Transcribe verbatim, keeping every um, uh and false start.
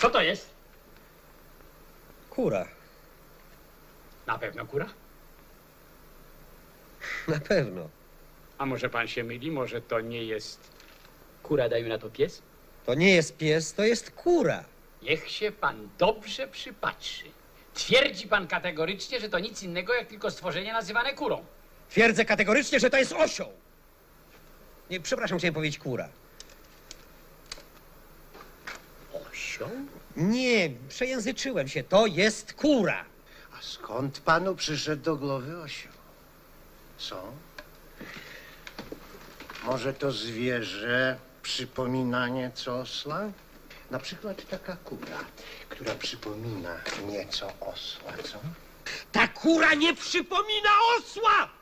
Co to jest? Kura. Na pewno kura? Na pewno. A może pan się myli? Może to nie jest kura, dajmy na to pies? To nie jest pies, to jest kura. Niech się pan dobrze przypatrzy. Twierdzi pan kategorycznie, że to nic innego jak tylko stworzenie nazywane kurą. Twierdzę kategorycznie, że to jest osioł. Nie, przepraszam, chciałem powiedzieć kura. Osioł? Nie, przejęzyczyłem się. To jest kura. A skąd panu przyszedł do głowy osioł? Co? Może to zwierzę przypomina nieco osła? Na przykład taka kura, która przypomina nieco osła, co? Ta kura nie przypomina osła!